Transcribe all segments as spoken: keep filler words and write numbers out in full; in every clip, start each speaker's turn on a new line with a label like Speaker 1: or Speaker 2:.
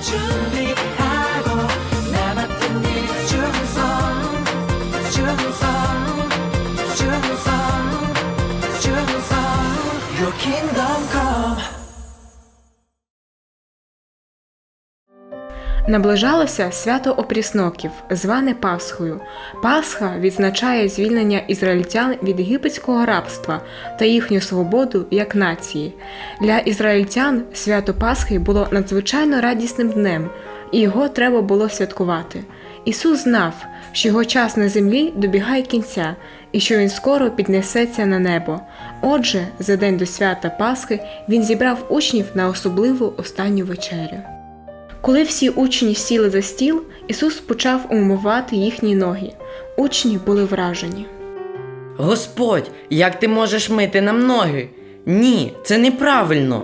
Speaker 1: 준비하고 나 맡은 일 충성 충성 충성 충성 Your kingdom come.
Speaker 2: Наближалося свято Опрісноків, зване Пасхою. Пасха відзначає звільнення ізраїльтян від єгипетського рабства та їхню свободу як нації. Для ізраїльтян свято Пасхи було надзвичайно радісним днем, і його треба було святкувати. Ісус знав, що його час на землі добігає кінця, і що Він скоро піднесеться на небо. Отже, за день до свята Пасхи Він зібрав учнів на особливу останню вечерю. Коли всі учні сіли за стіл, Ісус почав умивати їхні ноги. Учні були вражені.
Speaker 3: Господь, як ти можеш мити нам ноги? Ні, це неправильно.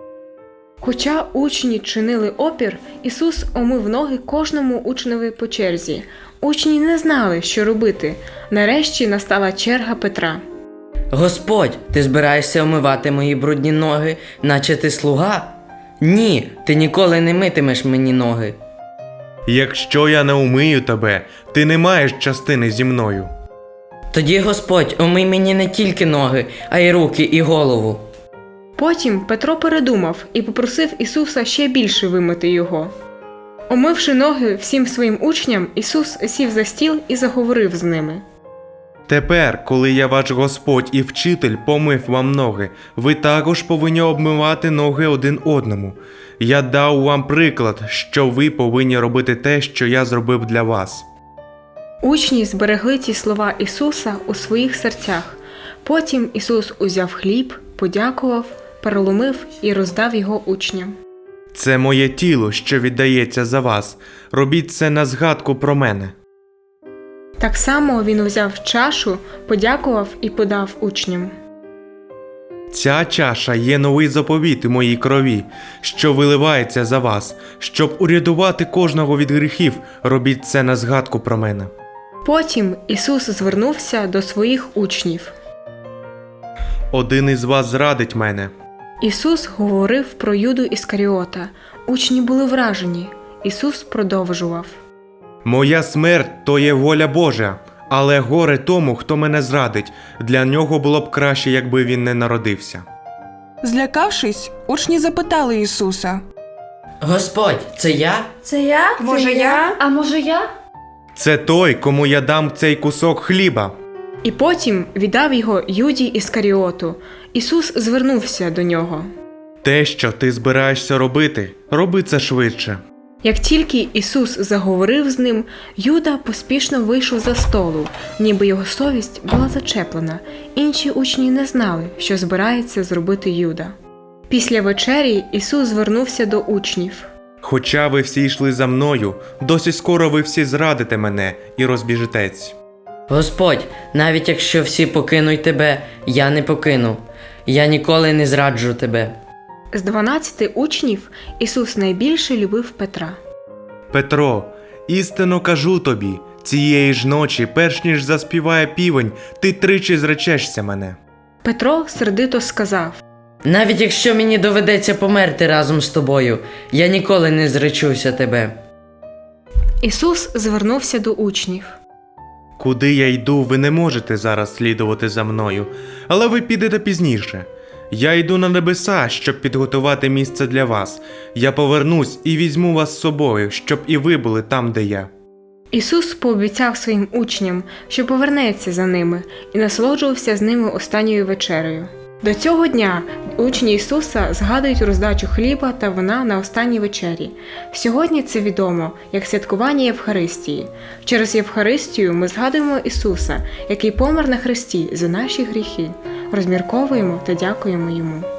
Speaker 2: Хоча учні чинили опір, Ісус омив ноги кожному учневі по черзі. Учні не знали, що робити. Нарешті настала черга Петра.
Speaker 3: Господь, ти збираєшся омивати мої брудні ноги, наче ти слуга? Ні, ти ніколи не митимеш мені ноги.
Speaker 4: Якщо я не умию тебе, ти не маєш частини зі мною.
Speaker 3: Тоді, Господь, омий мені не тільки ноги, а й руки і голову.
Speaker 2: Потім Петро передумав і попросив Ісуса ще більше вимити його. Омивши ноги всім своїм учням, Ісус сів за стіл і заговорив з ними.
Speaker 4: Тепер, коли я ваш Господь і вчитель помив вам ноги, ви також повинні обмивати ноги один одному. Я дав вам приклад, що ви повинні робити те, що я зробив для вас.
Speaker 2: Учні зберегли ці слова Ісуса у своїх серцях. Потім Ісус узяв хліб, подякував, переломив і роздав його учням.
Speaker 4: Це моє тіло, що віддається за вас. Робіть це на згадку про мене.
Speaker 2: Так само він узяв чашу, подякував і подав учням.
Speaker 4: Ця чаша є новий заповіт у моїй крові, що виливається за вас. Щоб урятувати кожного від гріхів, робіть це на згадку про мене.
Speaker 2: Потім Ісус звернувся до своїх учнів.
Speaker 4: Один із вас зрадить мене.
Speaker 2: Ісус говорив про Юду Іскаріота. Учні були вражені. Ісус продовжував.
Speaker 4: Моя смерть – то є воля Божа, але горе тому, хто мене зрадить. Для нього було б краще, якби він не народився.
Speaker 5: Злякавшись, учні запитали Ісуса.
Speaker 3: Господь, це я?
Speaker 6: Це я?
Speaker 5: Може, я?
Speaker 6: А може я?
Speaker 4: Це той, кому я дам цей кусок хліба.
Speaker 2: І потім віддав його Юді Іскаріоту. Ісус звернувся до нього.
Speaker 4: Те, що ти збираєшся робити, роби це швидше.
Speaker 2: Як тільки Ісус заговорив з ним, Юда поспішно вийшов за столу, ніби його совість була зачеплена. Інші учні не знали, що збирається зробити Юда. Після вечері Ісус звернувся до учнів.
Speaker 4: Хоча ви всі йшли за мною, досить скоро ви всі зрадите мене і розбіжетесь.
Speaker 3: Господь, навіть якщо всі покинуть тебе, я не покину. Я ніколи не зраджу тебе.
Speaker 2: З дванадцяти учнів Ісус найбільше любив Петра.
Speaker 4: Петро, істинно кажу тобі, цієї ж ночі, перш ніж заспіває півень, ти тричі зречешся мене.
Speaker 2: Петро сердито сказав.
Speaker 3: Навіть якщо мені доведеться померти разом з тобою, я ніколи не зречуся тебе.
Speaker 2: Ісус звернувся до учнів.
Speaker 4: Куди я йду, ви не можете зараз слідувати за мною, але ви підете пізніше. Я йду на небеса, щоб підготувати місце для вас. Я повернусь і візьму вас з собою, щоб і ви були там, де я.
Speaker 2: Ісус пообіцяв своїм учням, що повернеться за ними, і насолоджувався з ними останньою вечерею. До цього дня учні Ісуса згадують роздачу хліба та вина на останній вечері. Сьогодні це відомо як святкування Євхаристії. Через Євхаристію ми згадуємо Ісуса, який помер на хресті за наші гріхи, розмірковуємо та дякуємо Йому.